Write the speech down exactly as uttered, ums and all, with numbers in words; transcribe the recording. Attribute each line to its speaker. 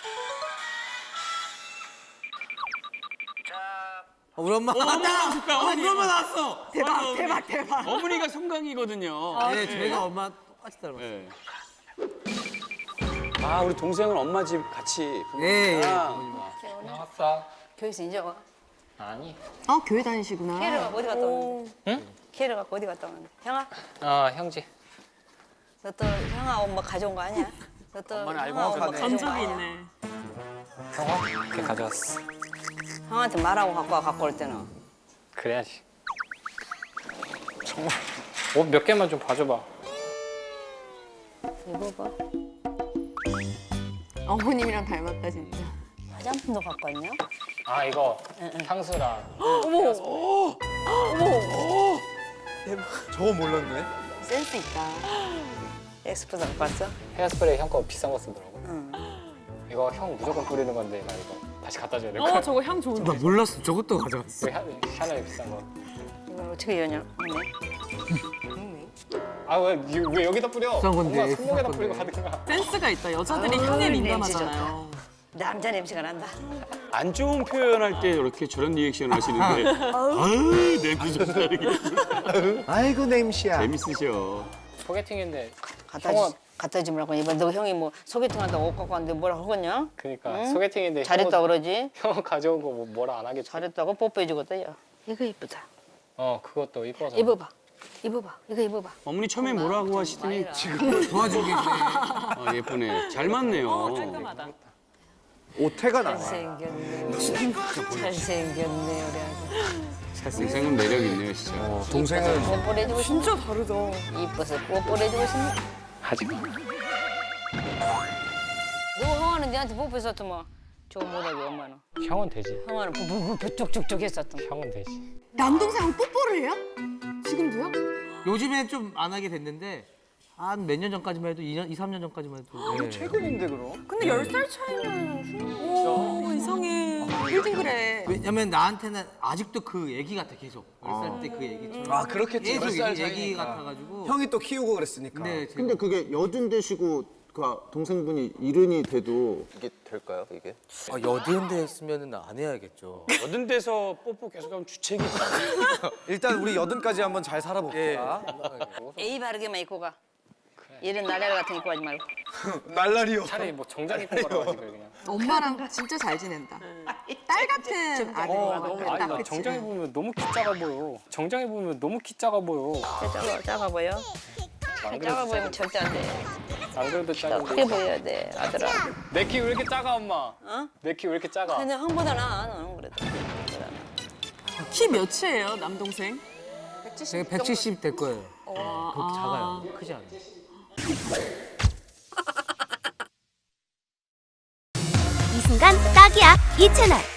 Speaker 1: 어, 우리 엄마
Speaker 2: 어, 어머니 나왔다.
Speaker 1: 어, 우리 엄마 나왔어.
Speaker 2: 대박, 어머니.
Speaker 3: 대박 대박.
Speaker 2: 어머니가 송강이거든요.
Speaker 3: 아,
Speaker 1: 네, 저희가 엄마 똑같이 닮았어요.
Speaker 2: 네. 아, 우리 동생은 엄마 집 같이.
Speaker 1: 예, 예.
Speaker 4: 나왔어.
Speaker 5: 교회에서 이제 와.
Speaker 4: 아니.
Speaker 3: 어 교회 다니시구나.
Speaker 5: 케이를 갖고 어디 갔다 오는데?
Speaker 4: 응?
Speaker 5: 케이를 갖고 어디 갔다 오는데? 형아,
Speaker 4: 어, 형제.
Speaker 5: 너 또 형아 엄마 가져온 거 아니야? 너 또
Speaker 2: 엄마는 알고
Speaker 5: 형아 엄마
Speaker 2: 가네.
Speaker 5: 가져온 거
Speaker 3: 전적이
Speaker 5: 아니야?
Speaker 3: 있네.
Speaker 4: 형아? 이렇게 가져왔어.
Speaker 5: 형한테 말하고 갖고 와 갖고 올 때는.
Speaker 4: 그래야지. 정말. 옷 몇 개만 좀 봐줘봐.
Speaker 5: 입어봐.
Speaker 3: 어머님이랑 닮았다 진짜.
Speaker 5: 화장품도 갖고 왔냐?
Speaker 4: 아, 이거 향수랑.
Speaker 1: 저거 몰랐네.
Speaker 3: 센스 있다.
Speaker 5: 엑스포도 갖고 왔어?
Speaker 4: 헤어스프레이 형 거 비싼 거 쓰더라고.
Speaker 5: 응.
Speaker 4: 이거 형 무조건 뿌리는 건데 나 이거 다시 갖다 줘야 될
Speaker 3: 어
Speaker 4: 거야.
Speaker 3: 저거 향 좋은데.
Speaker 1: 나 몰랐어. 저것도 가져왔어.
Speaker 4: 이거 샤- 샤넬 비싼 거.
Speaker 5: 이걸 어떻게 여냐? 언니.
Speaker 4: 아, 왜, 이- 왜 여기다 뿌려?
Speaker 1: 비싼 건데,
Speaker 4: 엄마 손목에다
Speaker 1: 비싼
Speaker 4: 뿌리고
Speaker 1: 건데.
Speaker 4: 가든가.
Speaker 3: 센스가 있다. 여자들이
Speaker 5: 아유,
Speaker 3: 향에
Speaker 5: 냄새
Speaker 3: 민감하잖아요.
Speaker 5: 남자 냄새가 난다.
Speaker 2: 안 좋은 표현할 때 이렇게 저런 리액션 하시는데. 아유, 냄새 좋다. 이렇게.
Speaker 1: 아이고 냄새야.
Speaker 2: 재밌으셔.
Speaker 4: 소개팅인데
Speaker 5: 갖다
Speaker 4: 형아,
Speaker 5: 주, 갖다 주라고 이번 너 형이 뭐 소개팅 한다고 옷 갖고 왔는데 뭐라 하겠냐?
Speaker 4: 그러니까
Speaker 5: 응?
Speaker 4: 소개팅인데
Speaker 5: 잘했다
Speaker 4: 형,
Speaker 5: 그러지?
Speaker 4: 형 가져온 거 뭐, 뭐라 안 하겠지?
Speaker 5: 잘했다고 뽀뽀해주겠다 야. 이거 이쁘다.
Speaker 4: 어, 그것도 이뻐서.
Speaker 5: 입어봐. 입어봐. 이거 입어봐.
Speaker 2: 어머니 처음에 뭐라고 하시더니
Speaker 1: 지금 도와주고 계시네.
Speaker 2: 아, 예쁘네. 잘 맞네요.
Speaker 3: 깔끔하다.
Speaker 1: 오태가 나와.
Speaker 5: 잘생겼네. 잘생겼네 우리 아들.
Speaker 2: 동생은 매력 있네요, 진짜.
Speaker 1: 어, 동생은
Speaker 5: 뽀뽀해주고 싶네.
Speaker 3: 진짜 다르다.
Speaker 5: 이뻐서 뽀뽀해주고 싶네.
Speaker 4: 하지 마.
Speaker 5: 너 형아는 니한테 뽀뽀했었더만 저거 못하게 엄마는.
Speaker 4: 형은 되지.
Speaker 5: 형아는 뽀뽀뽀뽀 쪽쪽쪽 했었더만.
Speaker 4: 형은 되지.
Speaker 3: 남동생하고 뽀뽀를 해요? 지금도요?
Speaker 1: 요즘에 좀 안 하게 됐는데 한 몇 년 전까지만 해도 이 년, 이, 삼 년 전까지만 해도 네.
Speaker 2: 최근인데, 그럼?
Speaker 3: 근데 열 살 차이면 오 이상해. 홀딩그래.
Speaker 1: 왜냐면 나한테는 아직도 그 얘기 같아 계속. 열 살 때 그 얘기처럼.
Speaker 6: 아 그렇겠지.
Speaker 1: 계속
Speaker 6: 열 살
Speaker 1: 얘기, 얘기
Speaker 6: 차이니까.
Speaker 1: 같아가지고.
Speaker 6: 형이 또 키우고 그랬으니까.
Speaker 1: 근데 제가
Speaker 7: 근데 그게 여든 되시고 그 동생분이 이른이 돼도 이게 될까요, 이게?
Speaker 1: 아, 여든 됐으면 안 해야겠죠.
Speaker 2: 여든 데서 뽀뽀 계속하면 주책이.
Speaker 6: 일단 우리 여든까지 한번 잘 살아봅시다.
Speaker 5: 에이 바르게만 입고 가. 이런 나래를 같은 거 입고 가지 말고.
Speaker 6: 날라리요.
Speaker 4: 차라리 뭐 정장 입고 가라가지고 그냥.
Speaker 3: 엄마랑 진짜 잘 지낸다. 딸 같은 아들.
Speaker 4: 어,
Speaker 3: 너무
Speaker 4: 아니,
Speaker 3: 딱
Speaker 4: 나
Speaker 3: 그치.
Speaker 4: 정장 입으면 너무 키 작아 보여. 정장 입으면 너무 키 작아 보여.
Speaker 5: 작아, 작아 보여?
Speaker 4: 안
Speaker 5: 작아
Speaker 4: 그래도
Speaker 5: 보이면 절대 안 돼.
Speaker 4: 안 그래도
Speaker 5: 더
Speaker 4: 작은데.
Speaker 5: 크게 보여야 돼, 아들아.
Speaker 4: 내 키 왜 이렇게 작아, 엄마?
Speaker 5: 어?
Speaker 4: 내 키 왜 이렇게 작아?
Speaker 5: 근데 형보다 나아, 너는 그래도. 형보다 나아.
Speaker 3: 키 몇이에요 남동생?
Speaker 1: 제가 백칠십 될 거예요. 그렇게 작아요. 크지 않아요.
Speaker 8: 이 순간 딱이야 이 채널.